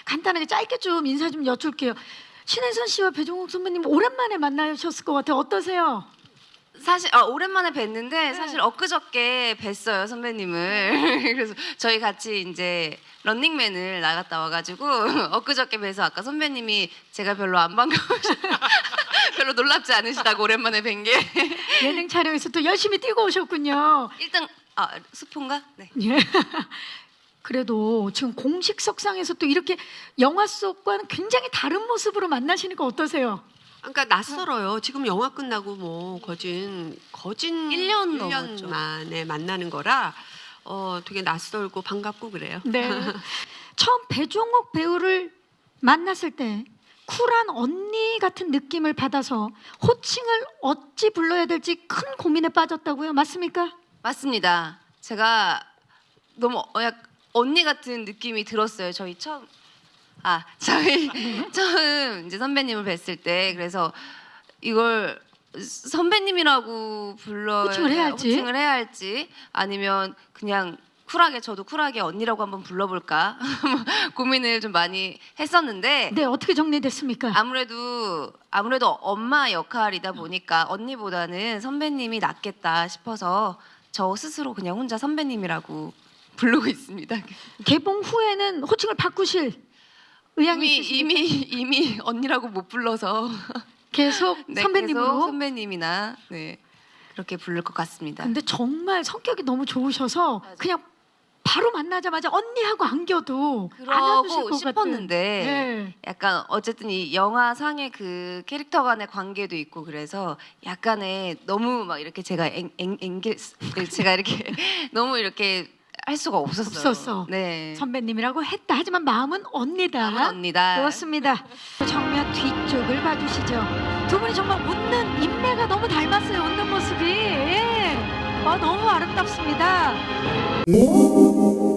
간단하게 짧게 좀 인사 좀 여쭐게요. 신혜선 씨와 배종욱 선배님 오랜만에 만나셨을 것 같아요. 어떠세요? 사실 오랜만에 뵀는데 사실 엊그저께 뵀어요 선배님을. 그래서 저희 같이 이제 런닝맨을 나갔다 와가지고 엊그저께 뵈서 아까 선배님이 제가 별로 안 반가우시 별로 놀랍지 않으시다고 오랜만에 뵌 게 예능 촬영에서 또 열심히 뛰고 오셨군요. 1등 스폰가? 네. 예. 그래도 지금 공식 석상에서 또 이렇게 영화 속과는 굉장히 다른 모습으로 만나시니까 어떠세요? 그러니까 낯설어요. 지금 영화 끝나고 뭐 거진 1년 1년 넘었죠. 만에 만나는 거라 되게 낯설고 반갑고 그래요. 네. 처음 배종욱 배우를 만났을 때 쿨한 언니 같은 느낌을 받아서 호칭을 어찌 불러야 될지 큰 고민에 빠졌다고요? 맞습니까? 맞습니다. 제가 너무 언니 같은 느낌이 들었어요. 저희 처음 이제 선배님을 뵀을 때 그래서 이걸 선배님이라고 호칭을 해야 할지 아니면 그냥 저도 쿨하게 언니라고 한번 불러볼까 고민을 좀 많이 했었는데 네, 어떻게 정리됐습니까? 아무래도 엄마 역할이다 보니까 언니보다는 선배님이 낫겠다 싶어서 저 스스로 그냥 혼자 선배님이라고 부르고 있습니다. 개봉 후에는 호칭을 바꾸실 의향이 있으십니까? 이미 언니라고 못 불러서 계속 네, 선배님으로? 계속 선배님이나 그렇게 부를 것 같습니다. 근데 정말 성격이 너무 좋으셔서 맞아. 그냥 바로 만나자마자 언니하고 안겨도 안아주실 그러고 것 싶었는데 같은. 네. 약간 어쨌든 이 영화상의 그 캐릭터 간의 관계도 있고 그래서 약간의 너무 막 이렇게 제가 제가 이렇게 너무 이렇게 할 수가 없었어요. 없었어. 네. 선배님이라고 했다. 하지만 마음은 언니다. 마음은 언니다. 그렇습니다. 정면 뒤쪽을 봐주시죠. 두 분이 정말 웃는 인매가 너무 닮았어요. 웃는 모습이. 너무 아름답습니다.